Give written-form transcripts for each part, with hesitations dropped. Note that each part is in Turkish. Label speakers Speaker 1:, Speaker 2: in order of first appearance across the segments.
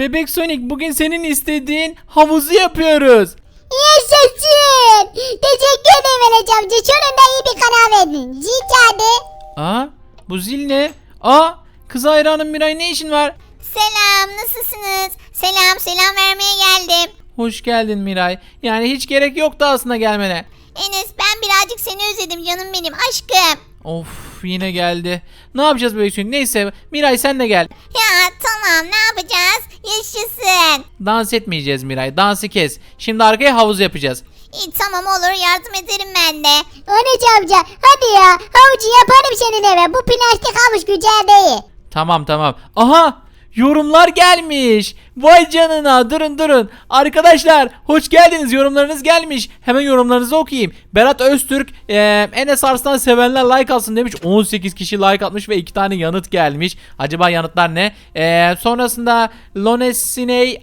Speaker 1: Bebek Sonic, bugün senin istediğin havuzu yapıyoruz.
Speaker 2: Yaşasın. Teşekkür ederim Enes amca. Sonunda iyi bir karar verdin. Zil çaldı.
Speaker 1: Aa, bu zil ne? Aa, kız hayranım Miray, ne işin var?
Speaker 2: Selam, nasılsınız? Selam vermeye geldim.
Speaker 1: Hoş geldin Miray. Yani hiç gerek yoktu aslında gelmene.
Speaker 2: Enes, ben birazcık seni özledim canım benim aşkım.
Speaker 1: Of, yine geldi. Ne yapacağız Bebek Sonic? Neyse Miray, sen de gel.
Speaker 2: Ya tamam, ne yapacağız? Yaşasın.
Speaker 1: Dans etmeyeceğiz Miray. Dansı kes. Şimdi arkaya havuz yapacağız.
Speaker 2: İyi tamam, olur, yardım ederim ben de. Enes amca hadi ya, havucu yaparım senin eve. Bu plastik havuç güzel değil.
Speaker 1: Tamam. Aha! Yorumlar gelmiş. Vay canına, durun. Arkadaşlar hoş geldiniz, yorumlarınız gelmiş. Hemen yorumlarınızı okuyayım. Berat Öztürk Enes Arslan sevenler like alsın demiş. 18 kişi like atmış ve 2 tane yanıt gelmiş. Acaba yanıtlar ne? Sonrasında Lonesiney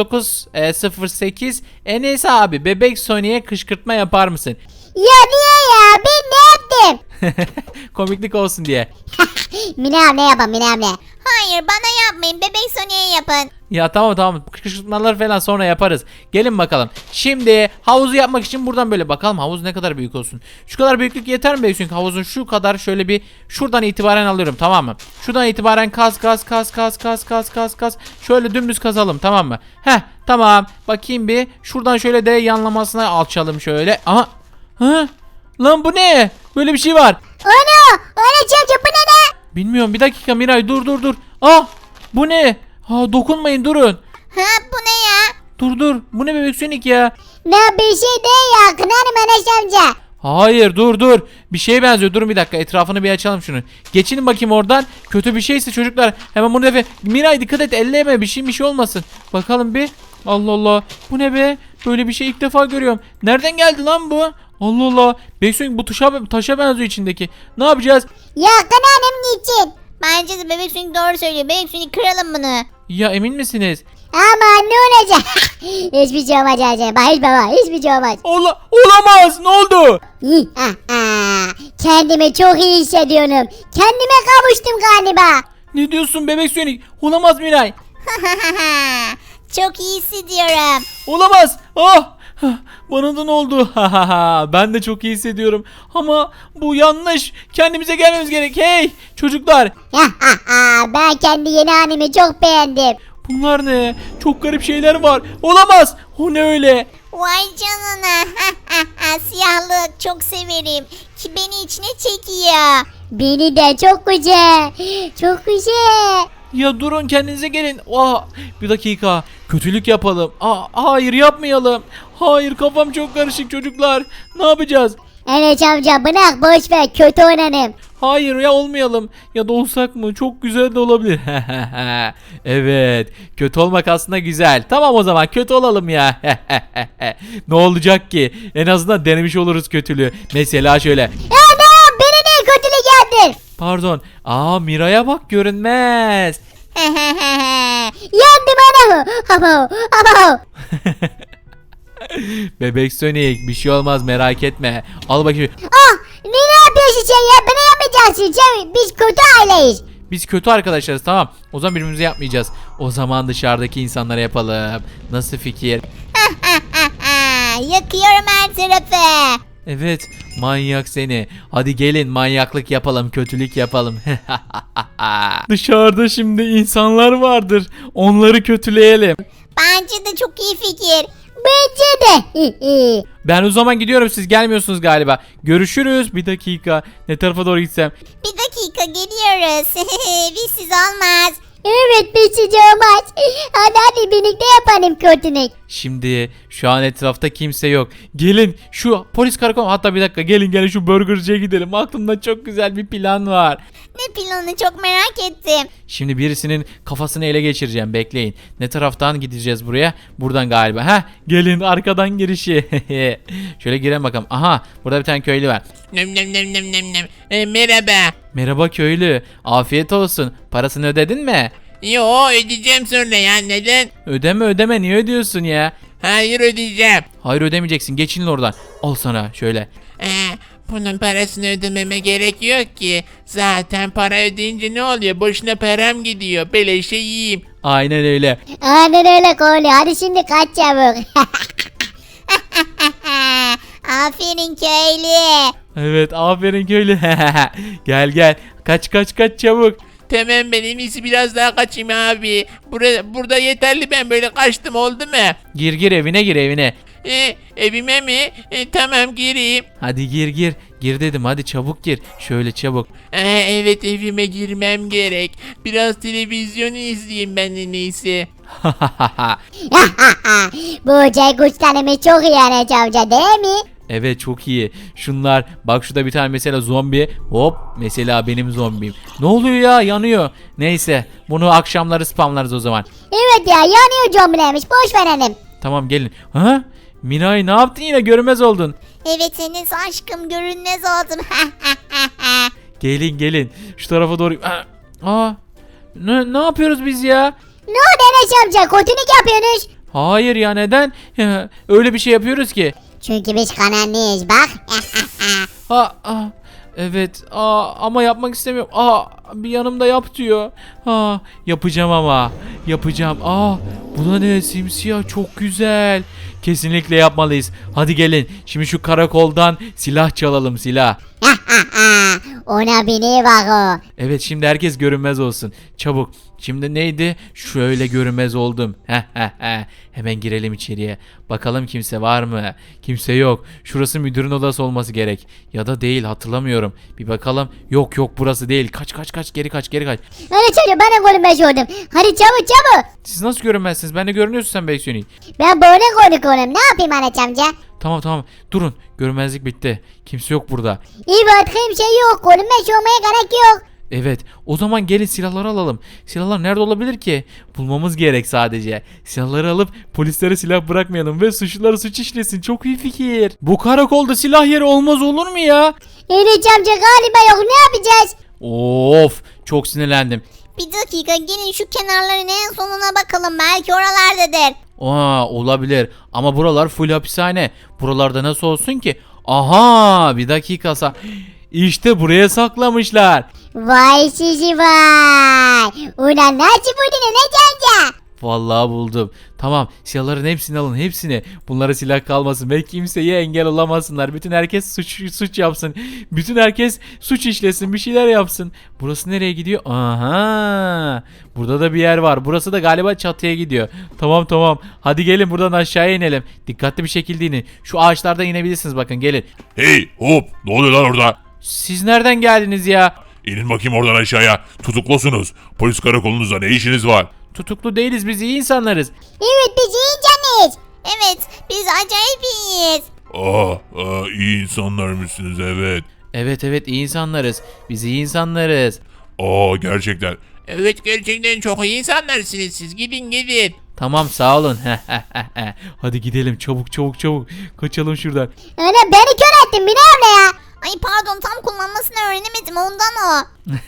Speaker 1: 6908 Enes abi, Bebek Sony'e kışkırtma yapar mısın?
Speaker 2: Ya niye ya, ben ne yaptım?
Speaker 1: Komiklik olsun diye.
Speaker 2: Mine yapalım Mine. Hayır, bana yapmayın, Bebek Sony'e yapın.
Speaker 1: Ya tamam. Kışkırtmalar falan sonra yaparız. Gelin bakalım. Şimdi havuzu yapmak için buradan böyle bakalım havuz ne kadar büyük olsun. Şu kadar büyüklük yeter mi? Çünkü havuzun şu kadar, şöyle bir şuradan itibaren alıyorum, tamam mı? Şuradan itibaren kaz. Şöyle dümdüz kazalım, tamam mı? Tamam. Bakayım bir. Şuradan şöyle de yanlamasına alçalım şöyle. Aha. Lan bu ne? Böyle bir şey var.
Speaker 2: Öyle çocuk, bu ne de?
Speaker 1: Bilmiyorum, bir dakika Miray, dur. Bu ne? Dokunmayın, durun.
Speaker 2: Bu ne ya?
Speaker 1: Dur. Bu ne Bebek Sonic ya?
Speaker 2: Ne, bir şey değil ya, kınarım Enes amca.
Speaker 1: Hayır, dur. Bir şeye benziyor. Durun bir dakika, etrafını bir açalım şunu. Geçinin bakayım oradan. Kötü bir şeyse çocuklar hemen bunu defe. Miray dikkat et, elleme, bir şey olmasın. Bakalım bir. Allah. Bu ne be? Böyle bir şey ilk defa görüyorum. Nereden geldi lan bu? Allah. Bebek Sonic, bu taşa benziyor içindeki. Ne yapacağız?
Speaker 2: Ya kınarım niçin? Bence de Bebek Sonic doğru söylüyor. Bebek Sonic, kıralım bunu.
Speaker 1: Ya emin misiniz?
Speaker 2: Ama ne olacak? Hiçbir şey olmaz Acaba. Hiçbir şey olmaz.
Speaker 1: Olamaz. Ne oldu?
Speaker 2: Kendimi çok iyi hissediyorum. Kendime kavuştum galiba.
Speaker 1: Ne diyorsun Bebek Sonic? Olamaz Miray.
Speaker 2: Çok iyi hissediyorum.
Speaker 1: Olamaz. Bana da ne oldu? Ben de çok iyi hissediyorum. Ama bu yanlış. Kendimize gelmemiz gerek. Hey çocuklar.
Speaker 2: Ben kendi yeni halimi çok beğendim.
Speaker 1: Bunlar ne? Çok garip şeyler var. Olamaz. O ne öyle?
Speaker 2: Vay canına. Siyahlık çok severim. Ki beni içine çekiyor. Beni de çok güzel. Çok güzel.
Speaker 1: Ya durun, kendinize gelin. Bir dakika. Kötülük yapalım. Hayır, yapmayalım. Hayır, kafam çok karışık çocuklar. Ne yapacağız?
Speaker 2: Enes amca bırak, boş ver, kötü oynanım.
Speaker 1: Hayır ya, olmayalım. Ya da olsak mı? Çok güzel de olabilir. Evet. Kötü olmak aslında güzel. Tamam, o zaman kötü olalım ya. Ne olacak ki? En azından denemiş oluruz kötülüğü. Mesela şöyle.
Speaker 2: Ya beni de kötülük yaptın.
Speaker 1: Pardon. Miray'a bak, görünmez.
Speaker 2: Yandım anamı. Ama.
Speaker 1: Bebek Sonic, bir şey olmaz, merak etme. Al bakayım.
Speaker 2: Ne yapıyorsun sen ya? Bana yapmayacaksın. Biz kötü aileyiz.
Speaker 1: Biz kötü arkadaşlarız, tamam. O zaman birbirimize yapmayacağız. O zaman dışarıdaki insanlara yapalım. Nasıl fikir?
Speaker 2: Yakıyorum her tarafı.
Speaker 1: Evet, manyak seni. Hadi gelin manyaklık yapalım, kötülük yapalım. Dışarıda şimdi insanlar vardır. Onları kötüleyelim.
Speaker 2: Bence de çok iyi fikir. Bence de.
Speaker 1: Ben o zaman gidiyorum, siz gelmiyorsunuz galiba. Görüşürüz. Bir dakika. Ne tarafa doğru gitsem?
Speaker 2: Bir dakika, geliyoruz. Bizsiz olmaz. Evet, bizsiz olmaz. Hadi birlikte yapalım kötülük.
Speaker 1: Şimdi şu an etrafta kimse yok. Gelin şu polis karakolu, hatta bir dakika, gelin şu burgerciye gidelim. Aklımda çok güzel bir plan var.
Speaker 2: Ne planı, çok merak ettim.
Speaker 1: Şimdi birisinin kafasını ele geçireceğim, bekleyin. Ne taraftan gideceğiz buraya? Buradan galiba. Gelin, arkadan girişi. Şöyle girelim bakalım. Aha, burada bir tane köylü var.
Speaker 3: Merhaba.
Speaker 1: Merhaba köylü. Afiyet olsun. Parasını ödedin mi?
Speaker 3: Yo, ödeyeceğim sonra ya, neden?
Speaker 1: Ödeme, niye ödüyorsun ya?
Speaker 3: Hayır, ödeyeceğim.
Speaker 1: Hayır, ödemeyeceksin, geçin oradan. Al sana şöyle.
Speaker 3: Bunun parasını ödememe gerek yok ki. Zaten para ödeyince ne oluyor? Boşuna param gidiyor. Beleşe yiyeyim.
Speaker 1: Aynen öyle.
Speaker 2: Aynen öyle Koli. Hadi şimdi kaç çabuk. Aferin köylü.
Speaker 1: Evet, aferin köylü. Gel gel. Kaç kaç kaç çabuk.
Speaker 3: Tamam ben en iyisi biraz daha kaçayım abi. Burada yeterli ben böyle kaçtım oldu mu?
Speaker 1: Gir gir evine gir evine.
Speaker 3: Evime mi? Tamam gireyim.
Speaker 1: Hadi gir gir. Gir dedim, hadi çabuk gir. Şöyle çabuk.
Speaker 3: Evet evime girmem gerek. Biraz televizyon izleyeyim ben en iyisi.
Speaker 2: Bu güçlerimiz çok iyi Enes amca değil mi?
Speaker 1: Evet, çok iyi. Şunlar bak, şurada bir tane mesela zombi. Hop, mesela benim zombim. Ne oluyor ya, yanıyor. Neyse, bunu akşamları spamlarız o zaman.
Speaker 2: Evet ya, yanıyor zombilermiş, boş verelim.
Speaker 1: Tamam, gelin. Ha? Minay, ne yaptın yine, görünmez oldun.
Speaker 2: Evet Enes aşkım, görünmez oldum.
Speaker 1: Gelin gelin. Şu tarafa doğru. Aa. Ne yapıyoruz biz ya?
Speaker 2: Ne oldu Enes amca, kötülük yapıyorsunuz?
Speaker 1: Hayır ya, neden? Öyle bir şey yapıyoruz ki.
Speaker 2: Çünkü biz kanalıyız bak.
Speaker 1: Evet. Ama yapmak istemiyorum. Bir yanımda yap diyor. Yapacağım ama. Yapacağım. Bu da ne? Simsiyah, çok güzel. Kesinlikle yapmalıyız. Hadi gelin. Şimdi şu karakoldan silah çalalım, silah.
Speaker 2: Ona bini bak o.
Speaker 1: Evet, şimdi herkes görünmez olsun. Çabuk. Şimdi neydi? Şöyle görünmez oldum. Hemen girelim içeriye. Bakalım kimse var mı? Kimse yok. Şurası müdürün odası olması gerek. Ya da değil, hatırlamıyorum. Bir bakalım. Yok burası değil. Kaç, geri kaç.
Speaker 2: Hadi çocuk, ben de görünmez oldum. Hadi çabuk.
Speaker 1: Siz nasıl görünmezsiniz? Ben de görünüyorsun sen Beksiyoni.
Speaker 2: Ben böyle konuşuyorum, ne yapayım Enes amca?
Speaker 1: Tamam. Durun. Görünmezlik bitti. Kimse yok burada.
Speaker 2: İyi bakayım, şey yok, görünmez olmaya gerek yok.
Speaker 1: Evet, o zaman gelin silahları alalım. Silahlar nerede olabilir ki? Bulmamız gerek sadece. Silahları alıp polislere silah bırakmayalım ve suçluları suç işlesin. Çok iyi fikir. Bu karakolda silah yeri olmaz olur mu ya?
Speaker 2: Enes amca galiba yok, ne yapacağız?
Speaker 1: Of, çok sinirlendim.
Speaker 2: Bir dakika, gelin şu kenarların en sonuna bakalım, belki oralardadır.
Speaker 1: Olabilir ama buralar full hapishane. Buralarda nasıl olsun ki? Aha, bir dakika. İşte buraya saklamışlar.
Speaker 2: Vay sizi vay. Ulan nasıl buldun Enes amca?
Speaker 1: Vallahi buldum. Tamam, silahların hepsini alın, hepsini. Bunlara silah kalmasın ve kimseye engel olamasınlar. Bütün herkes suç yapsın. Bütün herkes suç işlesin, bir şeyler yapsın. Burası nereye gidiyor? Aha! Burada da bir yer var. Burası da galiba çatıya gidiyor. Tamam. Hadi gelin buradan aşağıya inelim. Dikkatli bir şekilde inin. Şu ağaçlardan inebilirsiniz, bakın gelin.
Speaker 4: Hey hop, ne oluyor lan orada?
Speaker 1: Siz nereden geldiniz ya?
Speaker 4: İnin bakayım oradan aşağıya. Tutuklusunuz. Polis karakolunuzda ne işiniz var?
Speaker 1: Tutuklu değiliz, biz iyi insanlarız.
Speaker 2: Evet, biz iyi canız. Evet, biz acayip iyiyiz.
Speaker 4: İyi insanlar mısınız, evet.
Speaker 1: Evet, iyi insanlarız. Biz iyi insanlarız.
Speaker 4: Gerçekten.
Speaker 3: Evet gerçekten çok iyi insanlarsınız siz. Gidin.
Speaker 1: Tamam, sağ olun. Hadi gidelim çabuk. Kaçalım şuradan.
Speaker 2: Ana, beni kör ettin, beni abla ya. Ay pardon, tam kullanmasını öğrenemedim, ondan o.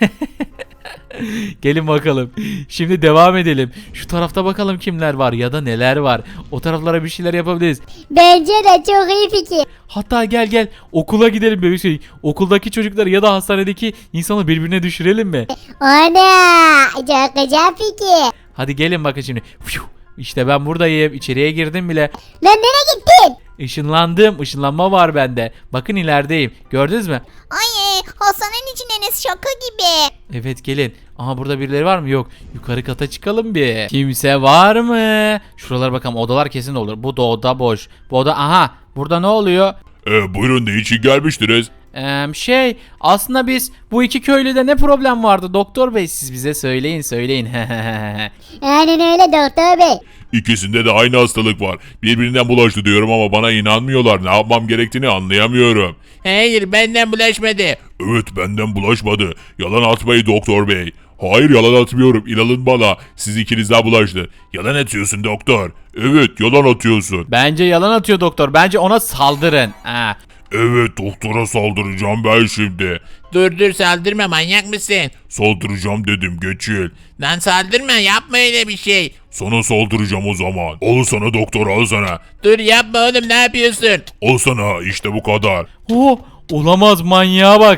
Speaker 1: Gelin bakalım. Şimdi devam edelim. Şu tarafta bakalım kimler var ya da neler var. O taraflara bir şeyler yapabiliriz.
Speaker 2: Bence de çok iyi fikir.
Speaker 1: Hatta gel okula gidelim bebek şey. Okuldaki çocukları ya da hastanedeki insanı birbirine düşürelim mi?
Speaker 2: Ana, çok güzel fikir.
Speaker 1: Hadi gelin bakın şimdi. İşte ben buradayım. İçeriye girdim bile.
Speaker 2: Lan nereye gittin?
Speaker 1: Işınlandım. Işınlanma var bende. Bakın ilerideyim. Gördünüz mü?
Speaker 2: Ay, hastanenin içinde Enes, şaka gibi.
Speaker 1: Evet, gelin. Aha, burada birileri var mı? Yok. Yukarı kata çıkalım bir. Kimse var mı? Şuralara bakalım. Odalar kesin olur. Bu da oda boş. Bu oda, aha. Burada ne oluyor?
Speaker 4: Buyurun, ne için gelmiştiniz?
Speaker 1: Aslında biz bu iki köylüde ne problem vardı doktor bey, siz bize söyleyin.
Speaker 2: Aynen öyle doktor bey.
Speaker 4: İkisinde de aynı hastalık var. Birbirinden bulaştı diyorum ama bana inanmıyorlar. Ne yapmam gerektiğini anlayamıyorum.
Speaker 3: Hayır benden bulaşmadı.
Speaker 4: Evet, benden bulaşmadı. Yalan atmayın doktor bey. Hayır, yalan atmıyorum. İnanın bana. Siz ikiniz daha bulaştı. Yalan atıyorsun doktor. Evet, yalan atıyorsun.
Speaker 1: Bence yalan atıyor doktor. Bence ona saldırın.
Speaker 4: Evet, doktora saldıracağım ben şimdi.
Speaker 3: Dur saldırma, manyak mısın?
Speaker 4: Saldıracağım dedim, geçil.
Speaker 3: Lan saldırma, yapma öyle bir şey.
Speaker 4: Sana saldıracağım o zaman. Al sana doktor, al sana.
Speaker 3: Dur yapma oğlum, ne yapıyorsun?
Speaker 4: Al sana, işte bu kadar.
Speaker 1: Olamaz, manyağa bak.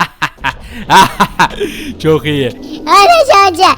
Speaker 1: Çok iyi.
Speaker 2: Enes amca.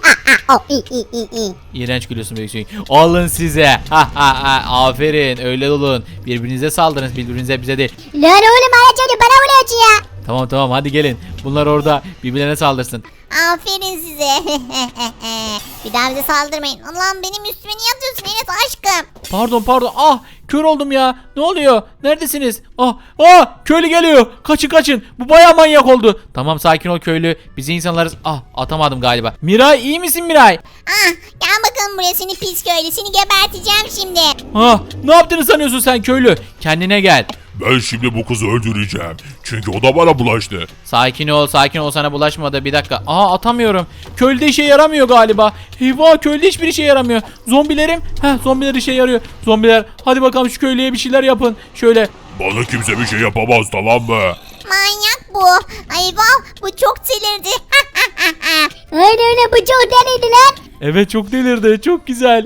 Speaker 1: İğrenç gülüyorsun Bebek. Alın size. Aferin, öyle olun. Birbirinize saldırın, birbirinize, bize değil.
Speaker 2: Lan oğlum Enes amca bana vuruyorsun ya.
Speaker 1: Tamam tamam, hadi gelin. Bunlar orada birbirlerine saldırsın.
Speaker 2: Aferin size. Bir daha bize saldırmayın. Allah'ım benim üstüme niye atıyorsun Enes aşkım?
Speaker 1: Pardon. Ah, kör oldum ya. Ne oluyor? Neredesiniz? Köylü geliyor. Kaçın. Bu bayağı manyak oldu. Tamam, sakin ol köylü. Biz insanlarız. Atamadım galiba. Miray, iyi misin Miray?
Speaker 2: Gel bakalım buraya seni pis köylü. Seni geberteceğim şimdi.
Speaker 1: Ne yaptığını sanıyorsun sen köylü? Kendine gel.
Speaker 4: Ben şimdi bu kızı öldüreceğim. Çünkü o da bana bulaştı.
Speaker 1: Sakin ol, sana bulaşmadı. Bir dakika. Atamıyorum. Köylüde işe yaramıyor galiba. Eyvah, köylüde hiçbir işe yaramıyor. Zombilerim. Zombiler işe yarıyor. Zombiler, hadi bakalım şu köylüye bir şeyler yapın. Şöyle.
Speaker 4: Bana kimse bir şey yapamaz, tamam mı?
Speaker 2: Manyak bu. Eyvah bu çok delirdi. Aynen bu çok delirdi lan.
Speaker 1: Evet, çok delirdi. Çok güzel.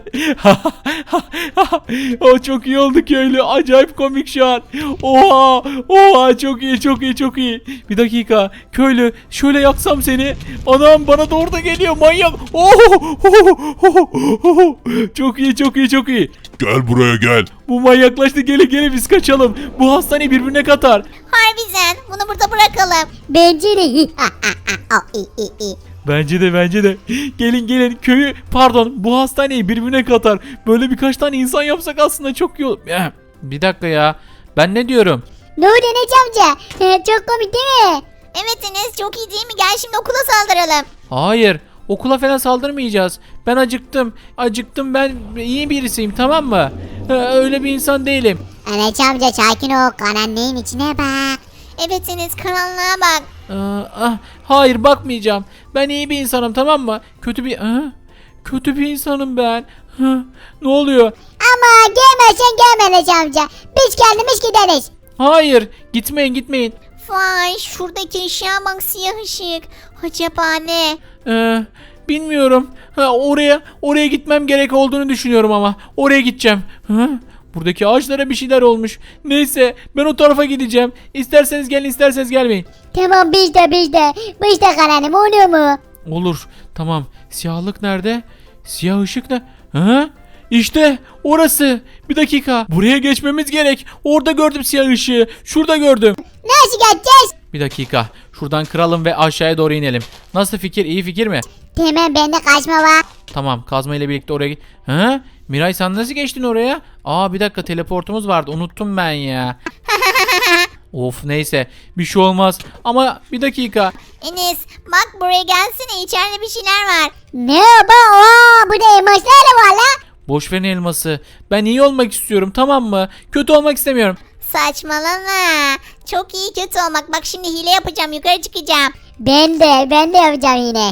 Speaker 1: O çok iyi oldu köylü. Acayip komik şu an. Oha, çok iyi. Bir dakika. Köylü, şöyle yaksam seni. Anam, bana doğru da geliyor manyak. Çok iyi.
Speaker 4: Gel buraya gel.
Speaker 1: Bu manyaklaştı. Gelin biz kaçalım. Bu hastaneyi birbirine katar.
Speaker 2: Harbiden bunu burada bırakalım. Bence de.
Speaker 1: Bence de. Gelin köyü, bu hastaneyi birbirine katar. Böyle birkaç tane insan yapsak aslında çok iyi olur. Bir dakika ya. Ben ne diyorum?
Speaker 2: Ne oldu Enes amca? Çok komik değil mi? Evet Enes çok iyi değil mi? Gel şimdi okula saldıralım.
Speaker 1: Hayır. Okula falan saldırmayacağız. Ben acıktım, ben iyi birisiyim, tamam mı? Öyle bir insan değilim.
Speaker 2: Enes amca sakin ol. Karanlığın içine bak. Evet Enes karanlığa bak.
Speaker 1: Hayır, bakmayacağım. Ben iyi bir insanım, tamam mı? Kötü bir insanım ben. Ne oluyor?
Speaker 2: Ama gelmezsen gelme Enes amca. Biz kendimiz gideriz.
Speaker 1: Hayır, gitmeyin.
Speaker 2: Vay şuradaki ışığa bak siyah ışık. Acaba ne?
Speaker 1: Bilmiyorum. Oraya gitmem gerek olduğunu düşünüyorum ama. Oraya gideceğim. Buradaki ağaçlara bir şeyler olmuş. Neyse, ben o tarafa gideceğim. İsterseniz gelin, isterseniz gelmeyin.
Speaker 2: Tamam biz de karanım oluyor mu?
Speaker 1: Olur. Tamam. Siyahlık nerede? Siyah ışık ne? İşte orası. Bir dakika. Buraya geçmemiz gerek. Orada gördüm siyah ışığı. Şurada gördüm.
Speaker 2: Nasıl geçeceğiz?
Speaker 1: Bir dakika. Şuradan kıralım ve aşağıya doğru inelim. Nasıl fikir? İyi fikir mi?
Speaker 2: Tamam bende kaçma var.
Speaker 1: Tamam, kazma ile birlikte oraya git. Miray, sen nasıl geçtin oraya? Bir dakika, teleportumuz vardı. Unuttum ben ya. Of, neyse. Bir şey olmaz. Ama bir dakika.
Speaker 2: Enes bak buraya gelsene içeride bir şeyler var. Merhaba burada elmaslar da var la.
Speaker 1: Boş verin elması. Ben iyi olmak istiyorum, tamam mı? Kötü olmak istemiyorum.
Speaker 2: Saçmalama. Çok iyi kötü olmak. Bak şimdi hile yapacağım yukarı çıkacağım. Ben de yapacağım yine.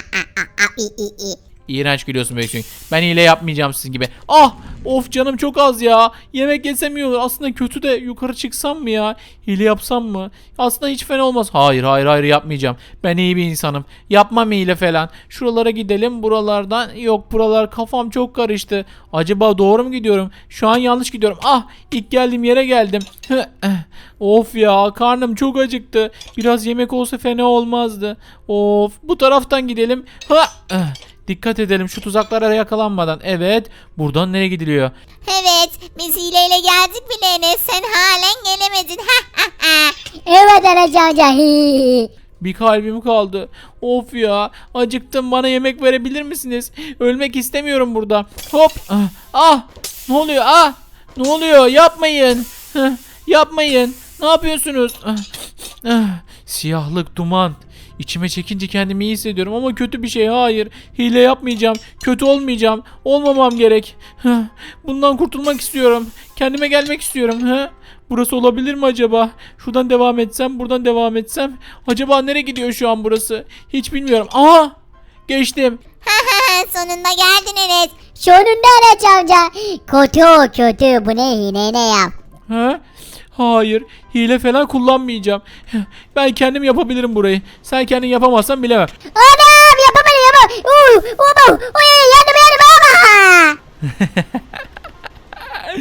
Speaker 1: İğrenç gülüyorsun Bebek. Ben hile yapmayacağım sizin gibi. Of, canım çok az ya. Yemek yesem iyi olur. Aslında kötü de, yukarı çıksam mı ya? Hile yapsam mı? Aslında hiç fena olmaz. Hayır yapmayacağım. Ben iyi bir insanım. Yapmam hile falan. Şuralara gidelim. Buralardan. Yok, buralar, kafam çok karıştı. Acaba doğru mu gidiyorum? Şu an yanlış gidiyorum. İlk geldiğim yere geldim. Of ya, karnım çok acıktı. Biraz yemek olsa fena olmazdı. Of, bu taraftan gidelim. Dikkat edelim şu tuzaklara yakalanmadan. Evet, buradan nereye gidiliyor?
Speaker 2: Evet biz hileyle geldik bile Enes. Sen halen gelemedin. Evet Enes amca.
Speaker 1: Bir kalbim kaldı. Of ya, acıktım, bana yemek verebilir misiniz? Ölmek istemiyorum burada. Hop. Ne oluyor? Ne oluyor? Yapmayın. Yapmayın. Ne yapıyorsunuz? Siyahlık, duman. İçime çekince kendimi iyi hissediyorum ama kötü bir şey. Hayır. Hile yapmayacağım. Kötü olmayacağım. Olmamam gerek. Bundan kurtulmak istiyorum. Kendime gelmek istiyorum. Burası olabilir mi acaba? Şuradan devam etsem, buradan devam etsem. Acaba nereye gidiyor şu an burası? Hiç bilmiyorum. Geçtim.
Speaker 2: Sonunda geldin Enes. Sonunda Enes amca. Kötü. Bu ne hile ne yap?
Speaker 1: Hayır. Hile falan kullanmayacağım. Ben kendim yapabilirim burayı. Sen kendin yapamazsan bilemem.
Speaker 2: Anam yapamadım. Yandım.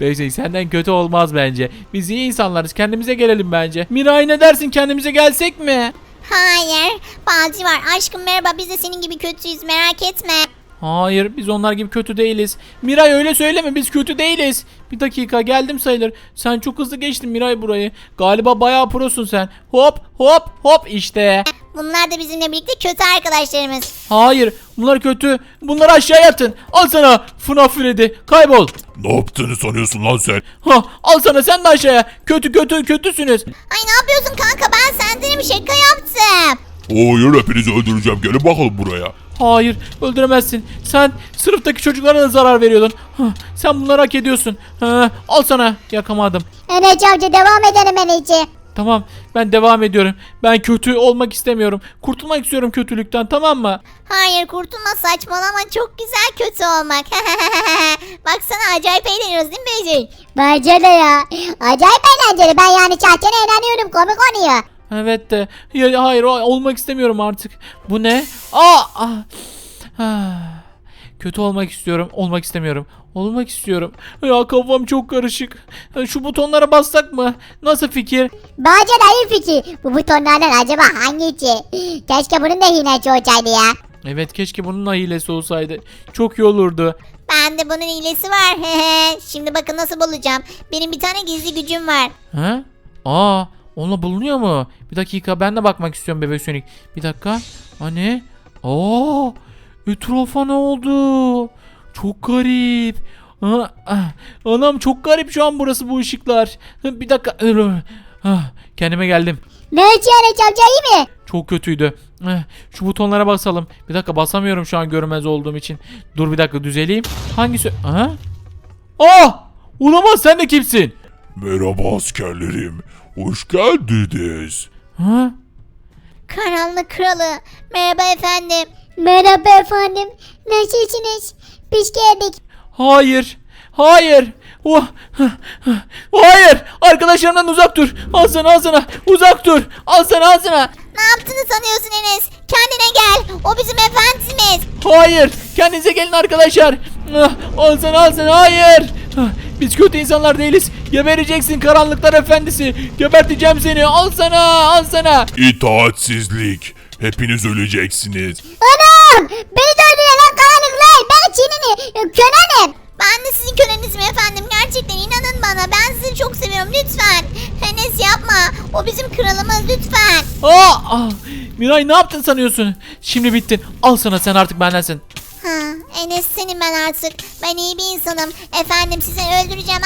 Speaker 1: Beyze senden kötü olmaz bence. Biz iyi insanlarız. Kendimize gelelim bence. Miray ne dersin, kendimize gelsek mi?
Speaker 2: Hayır. Balcı var. Aşkım merhaba. Biz de senin gibi kötüyüz. Merak etme.
Speaker 1: Hayır, biz onlar gibi kötü değiliz. Miray öyle söyleme, biz kötü değiliz. Bir dakika, geldim sayılır. Sen çok hızlı geçtin Miray burayı. Galiba bayağı prosun sen. Hop hop hop işte.
Speaker 2: Bunlar da bizimle birlikte kötü arkadaşlarımız.
Speaker 1: Hayır, bunlar kötü. Bunları aşağıya atın. Al sana FNAF Freddy. Kaybol.
Speaker 4: Ne yaptığını sanıyorsun lan sen?
Speaker 1: Ha, al sana, sen de aşağıya. Kötüsünüz.
Speaker 2: Ay ne yapıyorsun kanka? Ben senden bir şaka yaptım.
Speaker 4: Hayır, hepinizi öldüreceğim. Gelin bakalım buraya.
Speaker 1: Hayır, öldüremezsin. Sen sınıftaki çocuklara da zarar veriyordun. Hah, sen bunları hak ediyorsun. Ha, al sana. Yakamadım.
Speaker 2: Enes amca devam edelim Enes'i.
Speaker 1: Tamam, ben devam ediyorum. Ben kötü olmak istemiyorum. Kurtulmak istiyorum kötülükten, tamam mı?
Speaker 2: Hayır kurtulma, saçmalama, çok güzel kötü olmak. Baksana acayip eğleniyoruz değil mi Beyci? Bence de ya. Acayip eğlenceli, ben yani şahsen eğleniyorum, komik oluyor.
Speaker 1: Evet de. Hayır, olmak istemiyorum artık. Bu ne? Kötü olmak istiyorum. Olmak istemiyorum. Olmak istiyorum. Ya kafam çok karışık. Şu butonlara bassak mı? Nasıl fikir?
Speaker 2: Bence de iyi fikir. Bu butonlardan acaba hangisi? Keşke bunun da hilesi olsaydı ya.
Speaker 1: Evet, keşke bunun hilesi olsaydı. Çok iyi olurdu.
Speaker 2: Ben de bunun hilesi var. Şimdi bakın nasıl bulacağım. Benim bir tane gizli gücüm var.
Speaker 1: Ha? Onunla bulunuyor mu? Bir dakika, ben de bakmak istiyorum Bebek Sonic. Bir dakika. Hani? Etrafa ne oldu? Çok garip. Anam, çok garip şu an burası, bu ışıklar. Bir dakika. Kendime geldim.
Speaker 2: Ne yani amca, iyi mi?
Speaker 1: Çok kötüydü. Şu butonlara basalım. Bir dakika, basamıyorum şu an görünmez olduğum için. Dur bir dakika, düzeleyim. Hangisi? Olamaz, sen de kimsin?
Speaker 4: Merhaba askerlerim. Hoş geldiniz.
Speaker 2: Karanlık kralı. Merhaba efendim. Merhaba efendim. Nasılsınız? Biz geldik.
Speaker 1: Hayır. Hayır. Hayır. Arkadaşlarımdan uzak dur. Al sana. Uzak dur. Al sana.
Speaker 2: Ne yaptığını sanıyorsun Enes? Kendine gel. O bizim efendimiz.
Speaker 1: Hayır. Kendinize gelin arkadaşlar. Al sana. Hayır. Biz kötü insanlar değiliz. Gebereceksin karanlıklar efendisi. Geberteceğim seni. Al sana.
Speaker 4: İtaatsizlik. Hepiniz öleceksiniz.
Speaker 2: Anam! Beni de öldüren lan karanlıklar. Ben Çin'ini kölenim. Ben de sizin kölenizim efendim. Gerçekten inanın bana. Ben sizi çok seviyorum. Lütfen. Enes yapma. O bizim kralımız. Lütfen.
Speaker 1: Miray, ne yaptın sanıyorsun? Şimdi bittin. Al sana, sen artık bendensin.
Speaker 2: Enes senin ben artık. Ben iyi bir insanım. Efendim sizi öldüreceğim.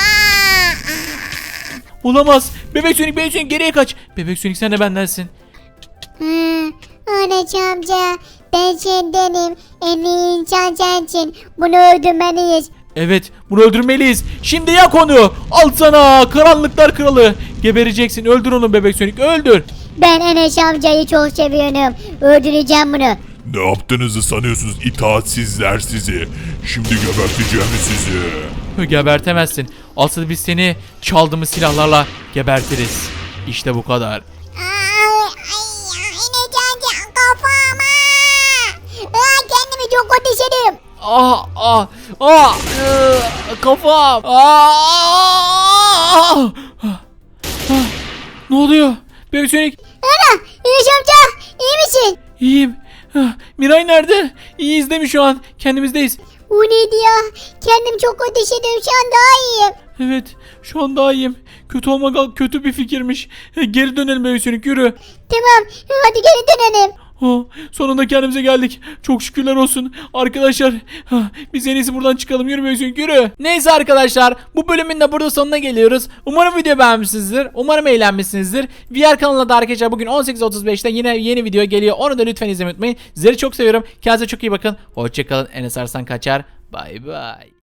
Speaker 1: Olamaz. Bebek Sonic geriye kaç. Bebek Sonic, sen de bendensin.
Speaker 2: Anacığım amca. Ben sendenim. En iyi insan sensin. Bunu öldürmeliyiz.
Speaker 1: Evet, bunu öldürmeliyiz. Şimdi yak onu. Al sana, karanlıklar kralı. Gebereceksin. Öldür onu Bebek Sonic, öldür.
Speaker 2: Ben Enes amcayı çok seviyorum. Öldüreceğim bunu.
Speaker 4: Ne yaptığınızı sanıyorsunuz itaatsizler sizi. Şimdi geberteceğim sizi.
Speaker 1: Gebertemezsin. Asıl biz seni çaldığımız silahlarla gebertiriz. İşte bu kadar.
Speaker 2: Enes amca kafama. Kendimi çok kötü hissediyorum.
Speaker 1: Kafam. Ne oluyor? Bebek Sonic.
Speaker 2: Ana Enes amca iyi misin?
Speaker 1: İyiyim. Miray nerede? İyiyiz değil mi şu an? Kendimizdeyiz.
Speaker 2: O neydi ya? Kendimi çok kötü hissediyorum, şu an daha iyiyim.
Speaker 1: Evet, şu an daha iyiyim. Kötü olmak kötü bir fikirmiş. Geri dönelim Bebek Sonic, yürü.
Speaker 2: Tamam hadi geri dönelim.
Speaker 1: Sonunda kendimize geldik. Çok şükürler olsun. Arkadaşlar, biz en iyisi buradan çıkalım. Yürü Bebek Sonic, yürü. Neyse arkadaşlar, bu bölümün de burada sonuna geliyoruz. Umarım video beğenmişsinizdir. Umarım eğlenmişsinizdir. VR kanalına da arkadaşlar bugün 18.35'te yine yeni video geliyor. Onu da lütfen izlemeyi unutmayın. Sizleri çok seviyorum. Kendinize çok iyi bakın. Hoşçakalın. Enes Arslan kaçar. Bay bay.